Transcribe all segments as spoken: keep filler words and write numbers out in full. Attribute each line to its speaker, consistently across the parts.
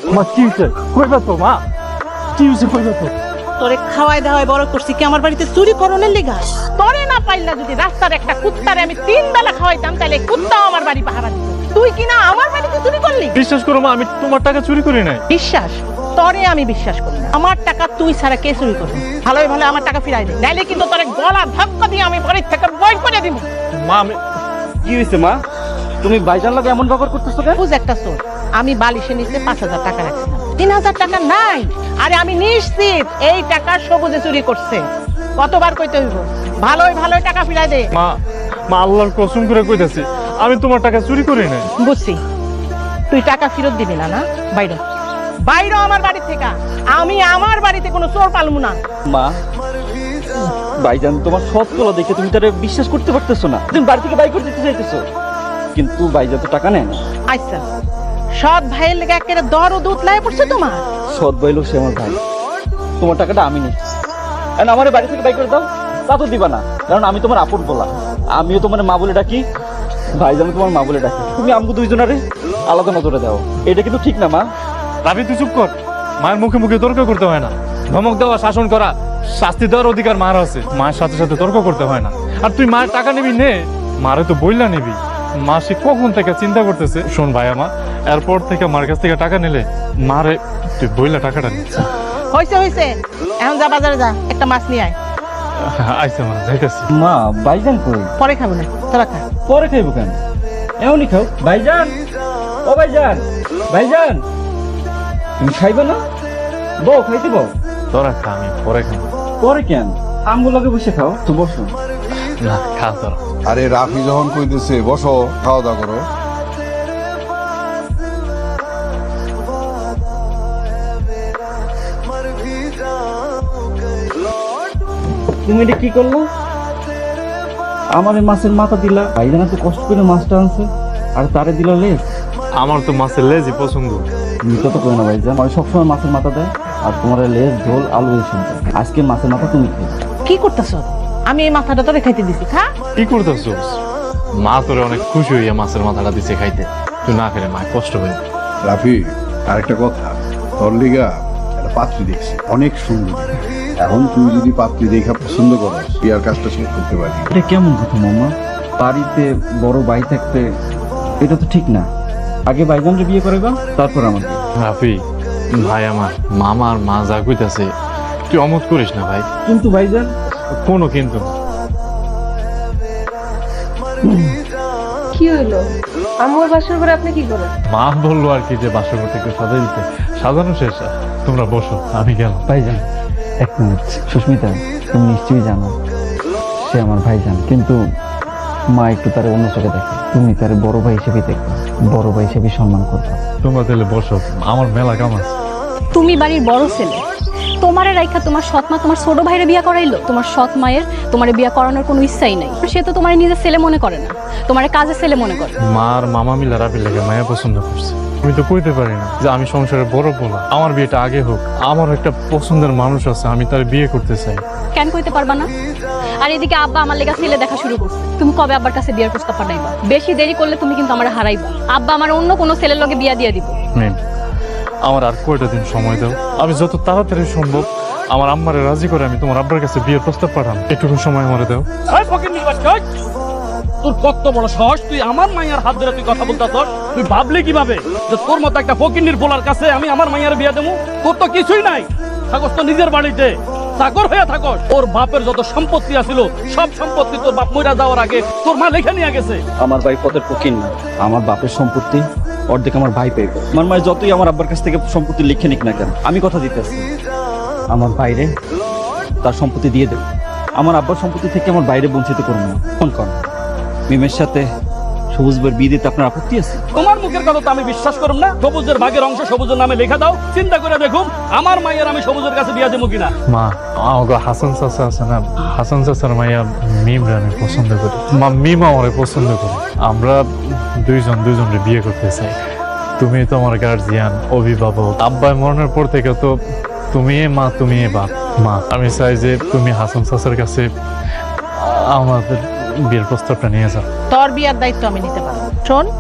Speaker 1: মা কি হয়েছে কইবা তো মা কি হয়েছে কইবা তো
Speaker 2: তোরে খাওয়াই দাওয়াই বড় করছি কি আমার বাড়িতে চুরি করনের লেগা তোরে না পাইলা যদি রাস্তার একটা কুত্তারে আমি তিন বেলা খাওয়াইতাম তাহলে কুত্তাও আমার বাড়ি পাহারা দিত তুই কি না আমার বাড়িতে চুরি করলি
Speaker 1: বিশ্বাস করো মা আমি তোমার টাকা চুরি করি নাই
Speaker 2: বিশ্বাস তোরে আমি বিশ্বাস করি না আমার টাকা তুই ছাড়া কে চুরি করবি ভালোই ভালো আমার টাকা ফিরাই দে নাইলে কিন্তু তোরে গলা ধাক্কা দিয়ে আমি বাড়ি থেকে বই করে দিব
Speaker 1: মা আমি
Speaker 3: কি হয়েছে মা তুমি ভাইজান লাগে এমন ব্যবহার করতেছো কেন
Speaker 2: বুঝ একটা চোর আমি বালিশের নিচে পাঁচ হাজার টাকা রাখছিলাম তিন হাজার টাকা নাই আরে আমি নিশ্চিত এই টাকা সবুজে চুরি করছে কতবার কইতে হইব ভালোই ভালোই টাকা ফিরাই দে
Speaker 1: মা মা আল্লাহর কসম করে কইতাছি আমি তোমার টাকা চুরি করি নাই
Speaker 2: বুঝছি তুই টাকা ফেরত দিবি না না বাইরে বাইরে আমার বাড়ি থেকে আমি আমার বাড়িতে কোনো চোর পালবো না
Speaker 3: মা ভাইজান তোমার সৎ কলা দেখে তুমি তারে বিশ্বাস করতে পারতেছো না তুমি বাড়ি থেকে বাই করে দিতে চাইতেছো কিন্তু ভাইজান তো টাকা নেয় না
Speaker 2: আচ্ছা সৎ ভাইয়ের লেগে একেবারে দর ও দুধ লাই পড়ছে তোমার
Speaker 3: সৎ ভাই লোক সে আমার ভাই তোমার টাকাটা আমি নিচ্ছি আমার বাড়ি থেকে বাই করে দাও তা তো দিবা না কারণ আমি তোমার আপন বলা আমিও তোমার মা বলে ডাকি ভাইজান তোমার মা বলে ডাকি তুমি আমাকে দুইজনারে আলাদা নজরে দাও এটা কিন্তু ঠিক না মা
Speaker 1: রাবি তুই চুপ কর মায়ের মুখে মুখে তর্ক করতে হয় না ধমক দেওয়া শাসন করা শাস্তি দেওয়ার অধিকার মার আছে মায়ের সাথে সাথে তর্ক করতে হয় না আর তুই মায়ের টাকা নিবি নে মারে তো বইলা নিবি মা সে কখন থেকে চিন্তা করতেছে শোন ভাই আমা এরপর থেকে মার কাছ থেকে টাকা নিলে মারে তুই বইলা টাকাটা নিচ্ছে
Speaker 2: হয়েছে হয়েছে এখন যা বাজারে যা একটা মাছ নিয়ে আয়
Speaker 1: আইসা মা যাইতেছি
Speaker 3: মা ভাইজান কই
Speaker 2: পরে খাবো না তোরা খা
Speaker 3: পরে খাইবো কেন এমনই খাও ভাইজান ও ভাইজান ভাইজান তুমি খাইবে না বউ খাইতে বউ
Speaker 1: তোরা খা আমি পরে খাবো
Speaker 3: পরে কেন আমগুলো লগে বসে খাও তো বসো
Speaker 1: না খা তোরা
Speaker 4: আরে রাফি যখন কইতেছে বসো খাওয়া দাওয়া করো
Speaker 3: তুমি এটা কি করলো আমার এই মাছের মাথা দিলা ভাইজান এত কষ্ট করে মাছটা আনছে আর তারে দিলা লেজ
Speaker 1: আমার তো মাছের লেজই পছন্দ
Speaker 3: তুমি কত করে না ভাইজান আমি সবসময় মাছের মাথা দেয় আর তোমার লেজ ঝোল আলু এসব দেয় আজকে মাছের মাথা তুমি খেয়ে
Speaker 2: কি করতেছ আমি এই মাথাটা তোরে খাইতে দিছি খা
Speaker 1: কি করতেছিস মা তোরে অনেক খুশি হইয়া মাছের মাথাটা দিছে খাইতে তুই না খেলে মা কষ্ট হয়ে
Speaker 4: রাফি আরেকটা কথা তোর লিগা একটা পাত্রী দেখছি অনেক সুন্দর এখন তুই যদি পাত্রী দেখা পছন্দ করো বিয়ার কাজটা শেষ করতে পারি
Speaker 3: এটা কেমন কথা মামা বাড়িতে বড় ভাই থাকতে এটা তো ঠিক না আগে ভাইজানকে বিয়ে করে দাও তারপর আমাকে
Speaker 1: রাফি ভাই আমার মামা আর মা যা কইতাছে তুই অমত করিস না ভাই
Speaker 3: কিন্তু ভাইজান
Speaker 1: কোনো কিন্তু না।
Speaker 5: কি হইলো আমার বাসর ঘরে আপনি কি করেন
Speaker 1: মা বললো আর কি যে বাসর ঘরটা একটু সাজাই দিতে সাজানো শেষ তোমরা বসো আমি গেলাম
Speaker 3: ভাইজান এক মিনিট সুস্মিতা তুমি নিশ্চয়ই জানো সে আমার ভাইজান কিন্তু মা একটু তার অন্য চোখে দেখে তুমি তার বড় ভাই হিসেবে দেখবে বড় ভাই হিসেবে সম্মান করবে
Speaker 1: তোমরা তাহলে বসো আমার মেলা কাম আছে
Speaker 6: তুমি বাড়ির বড় ছেলে তোমারে রাইখা তোমার সৎ মা তোমার ছোট ভাইরে বিয়া করাইলো তোমার সৎ মায়ের তোমারে বিয়া করানোর কোনো ইচ্ছাই নাই সে তো তোমার নিজের ছেলে মনে করে না তোমার কাজের ছেলে মনে করে
Speaker 1: মার মামা মিলা রাফির লাগে মায়া পছন্দ করছে আমি তো কইতে পারি না যে আমি সংসারে বড় বলা আমার বিয়েটা আগে হোক আমার একটা পছন্দের মানুষ আছে আমি তার বিয়ে করতে চাই
Speaker 6: কেন কইতে পারবা না আর এদিকে আব্বা আমার লেগা ছেলে দেখা শুরু করছে তুমি কবে আব্বার কাছে বিয়ের প্রস্তাব পাঠাইবা বেশি দেরি করলে তুমি কিন্তু আমার হারাইবা আব্বা আমার অন্য কোনো ছেলের লগে বিয়া দিয়ে দিব
Speaker 1: মেন আমার আর কয়টা দিন সময় দাও আমি যত তাড়াতাড়ি সম্ভব আমার আম্মারে রাজি করে আমি তোমার আব্বার কাছে বিয়ের প্রস্তাব পাঠাম একটুকু সময় আমারে দাও
Speaker 7: তোর কত বড় সাহস তুই আমার মাইয়ার হাত ধরে তুই কথা বলতাছস তুই ভাবলি কিভাবে যে তোর মতো একটা ফকিন্নির বলার কাছে আমি আমার মাইয়ার বিয়া দেবো তোর তো কিছুই নাই থাকস তো নিজের বাড়িতে চাকর হয়ে থাকস ওর বাপের যত সম্পত্তি আছিল সব সম্পত্তি তোর বাপ মইরা যাওয়ার আগে তোর মা লেখা নিয়ে গেছে
Speaker 3: আমার ভাই পদের ফকির না আমার বাপের সম্পত্তি অর্ধেক আমার ভাই পেয়ে আমার মায়ের যতই আমার আব্বার কাছ থেকে সম্পত্তি লিখে নিক না কেন আমি কথা দিতেছি আমার বাইরে তার সম্পত্তি দিয়ে দেব আমার আব্বার সম্পত্তি থেকে আমার বাইরে বঞ্চিত করবো না ফোন কর মিমের সাথে সবুজ ভাইয়ের বিয়ে দিতে আপনার আপত্তি আছে
Speaker 7: তোমার মুখের কথা তো আমি বিশ্বাস করব না সবুজের ভাগের অংশ সবুজের নামে লেখা দাও চিন্তা করে দেখুন আমার মাইয়ার আমি সবুজের কাছে বিয়া দেবো কিনা
Speaker 1: মা আমাকে হাসান চাচা আছে না হাসান চাচার মাইয়া মিমরে আমি পছন্দ করি মা মিম আমারে পছন্দ করি আমরা দুইজন দুইজনকে বিয়ে করতে চাই তুমি তো আমার গার্জিয়ান অভিভাবক আব্বাই মরণের পর থেকে তো তুমি মা তুমি বাপ মা আমি চাই যে তুমি হাসান চাচার কাছে আমাদের বিয়ের প্রস্তাবটা নিয়ে যাও
Speaker 2: তোর বিয়ার দায়িত্ব আমি নিতে পারবো শোন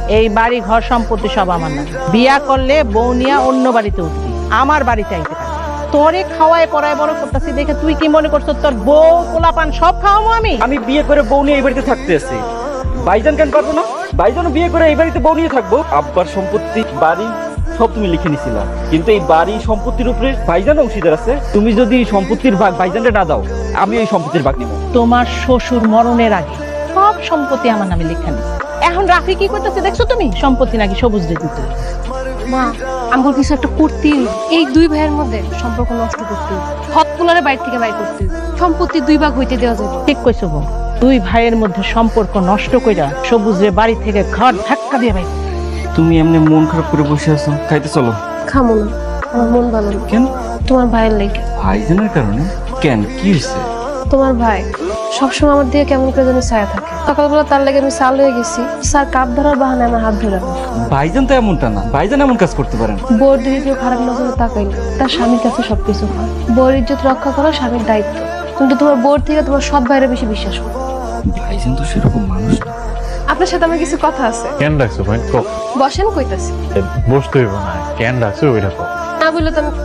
Speaker 2: এই বাড়ি ঘর সম্পত্তি সব আমার না। বিয়া করলে বউ নিয়া অন্য বাড়িতে উঠবি, আমার বাড়িতে আইতে পারবি। তোরে খাওয়ায় পড়ায় বড় করতেছি দেখে তুই কি মনে করছো তোর বউ পোলাপান সব খাওয়াবো আমি?
Speaker 3: আমি বিয়ে করে বউ নিয়ে এই বাড়িতে থাকতে আছি, ভাইজান কেন পারবো না? ভাইজানও বিয়ে করে এই বাড়িতে বউ নিয়ে থাকবো। আব্বার সম্পত্তি বাড়ি সব তুমি লিখে নিছিলা, কিন্তু এই বাড়ি সম্পত্তির উপরে ভাইজান অংশীদার আছে। তুমি যদি সম্পত্তির ভাগ ভাইজানকে না দাও, আমি এই সম্পত্তির ভাগ নিব।
Speaker 2: তোমার শ্বশুর মরণের আগে সব সম্পত্তি আমার নামে লেখা নিছে। এখন রাফি কি করতেছে দেখছো তুমি? সম্পত্তি নাকি সবুজ রে দিতে।
Speaker 5: মা আমার কিছু একটা করতেই হইব। এই দুই ভাইয়ের মধ্যে সম্পর্ক নষ্ট করতে হইব। হক পুলারে বাইর থেকে বাইর করতে হইব। সম্পত্তি দুই ভাগ হইতে দেওয়া যাবে।
Speaker 2: ঠিক কইছো বউ, দুই ভাইয়ের মধ্যে সম্পর্ক নষ্ট কইরা সবুজ রে বাড়ি থেকে ঘর ধাক্কা দিয়ে বাইর।
Speaker 3: তুমি এমনি মন খারাপ করে বসে আছো, খাইতে চলো।
Speaker 5: খামো না, আমার মন ভালো না।
Speaker 3: কেন?
Speaker 5: তোমার ভাইয়ের লেগে।
Speaker 3: ভাইজানের কারণে? কেন, কি হয়েছে?
Speaker 5: তোমার ভাই সবসময় আমার দিকে কেমন করে জানি ছায়া থাকে। সকালবেলা তার লেগে আমি সাল হয়ে গেছি, স্যার কাপ ধরার বাহানে আমার হাত ধরে রাখে।
Speaker 3: ভাইজান তো এমনটা না, ভাইজান এমন কাজ করতে পারেন।
Speaker 5: বউর দিকে কেউ খারাপ নজরে তাকাইলে তার স্বামীর কাছে সবকিছু হয়। বউর ইজ্জত রক্ষা করা স্বামীর দায়িত্ব, কিন্তু তোমার বউর থেকে তোমার সৎ ভাইরা বেশি বিশ্বাস করো।
Speaker 3: ভাইজান তো সেরকম মানুষ না।
Speaker 5: আপনার সাথে আমার কিছু কথা আছে।
Speaker 1: কেন ডাকছো ভাই? কও।
Speaker 5: বসেন, কইতাছি।
Speaker 1: বসতে হইব না, কেন ডাকছো ওইটা কও।
Speaker 5: না বললে তো আমি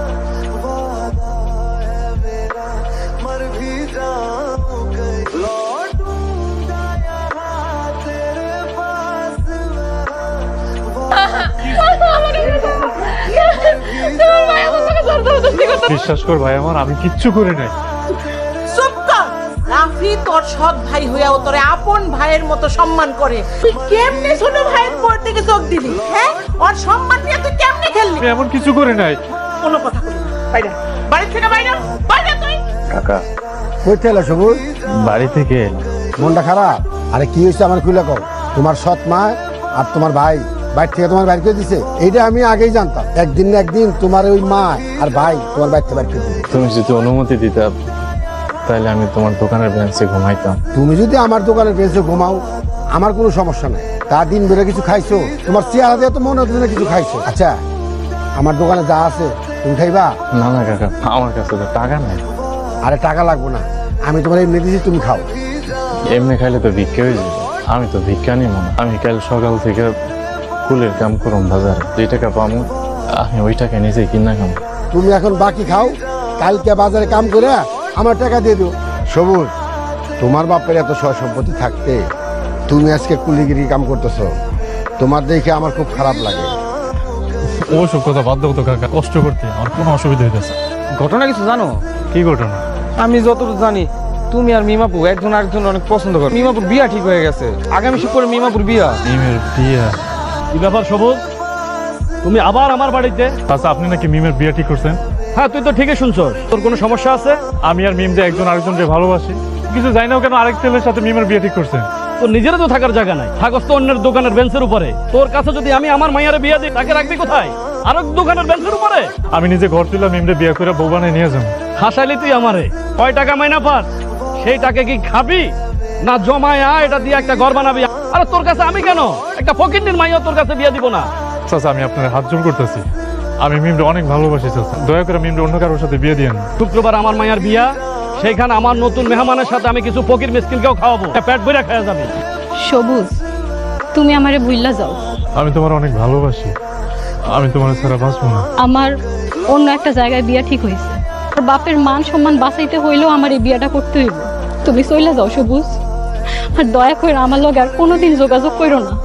Speaker 1: বিশ্বাস কর ভাই আমার, আমি কিচ্ছু করি নাই।
Speaker 2: চুপ কর। রাফি তোর সৎ ভাই হইয়াও তোরে আপন ভাইয়ের মতো সম্মান করে। তুই কেমনে ছোট ভাইয়ের পর থেকে চোখ দিলি? হ্যাঁ, ওর সম্মান নিয়ে তুই কেমনে খেললি?
Speaker 1: আমি এমন কিছু করি নাই।
Speaker 2: কোনো কথা বলি না। বাইরে, বাড়ি থেকে বাইরে, বাইরে তুই।
Speaker 8: কাকা কইতে এলো সবুজ?
Speaker 1: বাড়ি থেকে
Speaker 8: মনটা খারাপ? আরে কি হয়েছে আমার খুলে কও। তোমার সৎ মা আর তোমার ভাই বাইর থেকে তোমার বাইর করে দিছে, এইটা আমি আগেই জানতাম। একদিন না একদিন তোমার ওই মা আর ভাই তোমার বাইর থেকে বাইর করে দিবে।
Speaker 1: তুমি যদি অনুমতি দিতা তাহলে আমি তোমার দোকানের বেঞ্চে ঘুমাইতাম।
Speaker 8: তুমি যদি আমার দোকানের বেঁচে ঘুমাও আমার কোনো সমস্যা নাই। তা দিন বেড়ে কিছু খাইছো, তোমার চেহারা দিয়ে তো মনে হচ্ছে না কিছু খাইছো। আচ্ছা আমার দোকানে যা আছে তুমি খাইবা?
Speaker 1: না না কাকা, আমার কাছে তো টাকা নাই।
Speaker 8: আরে টাকা লাগবো না, আমি তোমার এমনি দিছি, তুমি খাও।
Speaker 1: এমনি খাইলে তো ভিক্ষা হয়ে যাবে। আমি তো ভিক্ষা নিব না। আমি কাল সকাল থেকে কুলের কাম করুম বাজারে, যে টাকা পাবো আমি ওই টাকা নিজে কিনা খাম।
Speaker 8: তুমি এখন বাকি খাও, কালকে বাজারে কাম করে আমার টাকা দিয়ে দিও। সবুজ, তোমার বাপের এত সয় সম্পত্তি থাকতে তুমি আজকে কুলিগিরি কাম করতেছো, তোমার দেখে আমার খুব খারাপ লাগে।
Speaker 1: ওসব কথা বাদ দেবো তো কাকা, কষ্ট করতে আমার কোনো অসুবিধা হইতেছে।
Speaker 9: ঘটনা কিছু জানো?
Speaker 1: কি ঘটনা?
Speaker 9: আমি যতটুকু জানি তুমি আর মিমাপু একজন আরেকজন অনেক পছন্দ করো। মিমাপুর বিয়া ঠিক হয়ে গেছে, আগামী শুক্রবার মিমাপুর বিয়া।
Speaker 1: মিমের বিয়া?
Speaker 7: কি ব্যাপার সবুজ, তুমি আবার আমার বাড়িতে?
Speaker 1: আচ্ছা, আপনি নাকি মিমের বিয়া ঠিক করছেন?
Speaker 7: হ্যাঁ, তুই তো ঠিকই শুনছস। তোর কোনো সমস্যা আছে?
Speaker 1: আমি আর মিম যে একজন আরেকজনকে ভালোবাসি, কিছু জানি না কেন আরেক ছেলের সাথে মিমের বিয়ে ঠিক করছেন।
Speaker 7: তোর নিজেরও তো থাকার জায়গা নাই, থাকস তো অন্যের দোকানের বেঞ্চের উপরে। তোর কাছে যদি আমি আমার মাইয়ারে বিয়ে দিই, তাকে রাখবি কোথায়? আরেক দোকানের বেঞ্চের উপরে?
Speaker 1: আমি নিজে ঘর তুলে মিমরে বিয়ে করে বউ বানিয়ে নিয়ে যাবো।
Speaker 7: হাসাইলি তুই আমারে। কয় টাকা মাইনা পাস? সেই টাকা কি খাবি না জমায় আয় এটা দিয়ে একটা ঘর বানাবি? আরে তোর কাছে আমি কেন একটা ফকিন্নির মাইয়া তোর কাছে বিয়ে দিব না?
Speaker 1: চাচা, আমি আপনার হাত জোর করতেছি, আমি মিমরে অনেক ভালোবাসি চাচা, দয়া করে মিমরে অন্য কারোর সাথে বিয়ে দিয়েন না।
Speaker 7: শুক্রবার আমার মায়ের বিয়া, সেইখানে আমার নতুন মেহমানের সাথে আমি কিছু ফকির মিসকিনকেও খাওয়াবো, পেট ভরে খাওয়া যাবে।
Speaker 6: সবুজ, তুমি আমারে ভুইল্লা যাও।
Speaker 1: আমি তোমার অনেক ভালোবাসি, আমি তোমার ছাড়া বাঁচবো না।
Speaker 6: আমার অন্য একটা জায়গায় বিয়া ঠিক হয়েছে, আর বাপের মান সম্মান বাঁচাইতে হইলেও আমার এই বিয়াটা করতে হইব। তুমি চইলা যাও সবুজ, আর দয়া করে আমার লগে আর কোনোদিন যোগাযোগ করো না।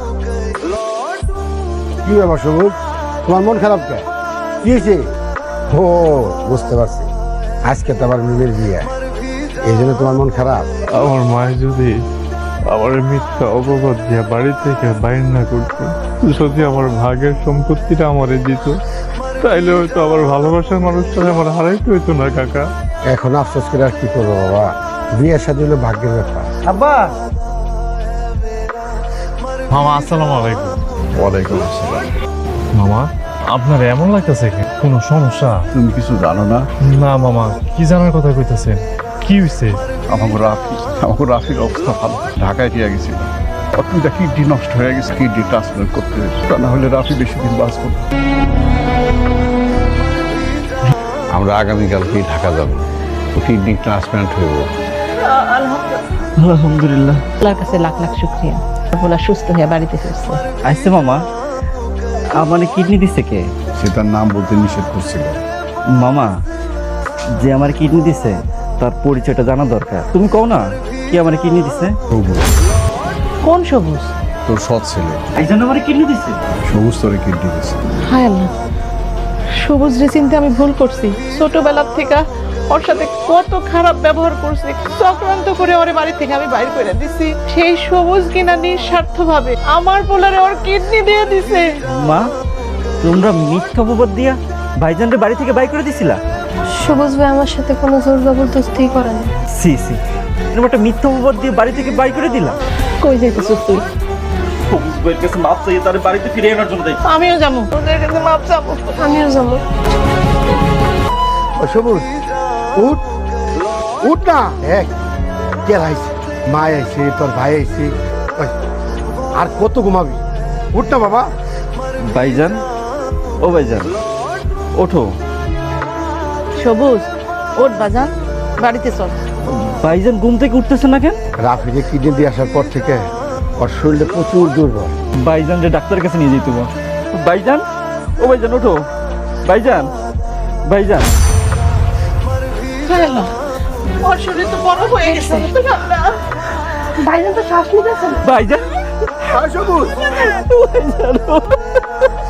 Speaker 8: কি ব্যাপার সবুজ, তোমার মন খারাপ কে? কি হয়েছে? ও বুঝতে পারছি, আজকে তো আবার মিমের বিয়ে, এই জন্য তোমার মন খারাপ।
Speaker 1: আমার মায়ের যদি আমার মিথ্যা অপবাদ দিয়ে বাড়ি থেকে বাইর না করতো, যদি আমার ভাগের সম্পত্তিটা আমারে দিত, তাইলে হয়তো আমার ভালোবাসার মানুষটা আমার হারাইতে হইতো না কাকা।
Speaker 8: এখন আফসোস করে আর কি করবো বাবা, বিয়ের সাথে হলো ভাগ্যের ব্যাপার।
Speaker 9: আব্বা,
Speaker 1: মামা আসসালামু আলাইকুম।
Speaker 4: ওয়ালাইকুম আসসালাম।
Speaker 1: মামা, আপনার এমন লাগতেছে কেন? কোনো সমস্যা?
Speaker 4: তুমি কিছু জানো না?
Speaker 1: না মামা, কি জানার কথা কইতেছেন? কি হইছে?
Speaker 4: আমাকে রাফি আমাকে রাফির অবস্থা ভালো, ঢাকায় দিয়ে গেছিল। অত্যন্ত কিডনি নষ্ট হয়ে গেছে, কিডনি ট্রান্সপ্লান্ট করতে, তা না হলে রাফি বেশি দিন বাঁচব না। আমরা আগামীকালকেই ঢাকা যাব, কিডনি ট্রান্সপ্লান্ট হইব।
Speaker 3: আলহামদুলিল্লাহ।
Speaker 2: আল্লাহর কাছে লাখ লাখ শুকরিয়া। বলা সুস্থ হয়ে বাড়িতে ফিরছে।
Speaker 3: আইসে মামা, আমার কিডনি দিছে কে?
Speaker 4: সে তার নাম বলতে নিষেধ করছিল।
Speaker 3: মামা, যে আমার কিডনি দিছে তার পরিচয়টা জানা দরকার। তুমি কও না কি আমার কিডনি দিছে?
Speaker 4: সবুজ,
Speaker 2: কোন সবুজ?
Speaker 4: তোর সৎ ছেলে
Speaker 3: এই জন্য আমার কিডনি দিছে।
Speaker 4: সবুজ তোরে কিডনি দিছে।
Speaker 2: হায় আল্লাহ, সবুজ রে চিন্তা আমি ভুল করছি। ছোটবেলার থেকে ওর সাথে কত খারাপ ব্যবহার করছি, চক্রান্ত করে ওরে বাড়ি থেকে আমি বাইর করে দিছি। সেই সবুজ কিনা নিঃস্বার্থ ভাবে আমার পোলারে ওর কিডনি দিয়ে দিছে।
Speaker 3: মা, তোমরা মিথ্যা অপবাদ দিয়া ভাইজানরে বাড়ি থেকে বাই করে দিছিলা?
Speaker 5: সবুজ ভাই আমার সাথে কোনো জোর জবরদস্তি করে না।
Speaker 3: সি সি, এরকম একটা মিথ্যা অপবাদ দিয়ে বাড়ি থেকে বাই করে দিলা?
Speaker 2: কই যাইতেছিস তুই?
Speaker 3: সবুজ ভাইয়ের কাছে মাপ চাইয়ে তার বাড়িতে ফিরে আনার জন্য তাই।
Speaker 2: আমিও যাবো, তোদের কাছে মাপ চাবো।
Speaker 5: আমিও যাবো।
Speaker 8: ও সবুজ, উঠ উঠ না। এক কে আইছে, মা আইছে, তোর ভাই আইছে, ওই, আর কত ঘুমাবি? উঠ না বাবা।
Speaker 3: ভাইজান, ও ভাইজান, ওঠো।
Speaker 2: সবুজ ওঠ বাজান, বাড়িতে চল।
Speaker 3: ভাইজান ঘুম থেকে উঠতেছে না কেন?
Speaker 8: রাফিকে কিডনি দিয়ে আসার পর থেকে ওর শরীরে প্রচুর দুর্বল।
Speaker 3: ভাইজান যে ডাক্তারের কাছে নিয়ে যেতে হবে। ভাইজান, ও ভাইজান ওঠো। ভাইজান, ভাইজান,
Speaker 2: হায় আল্লাহ, ওর শরীর তো বড় হয়ে গেছে।
Speaker 5: ভাইজান তো শ্বাস নিতেছে না।
Speaker 3: ভাইজান,
Speaker 8: সবুজ
Speaker 3: ভাইজান।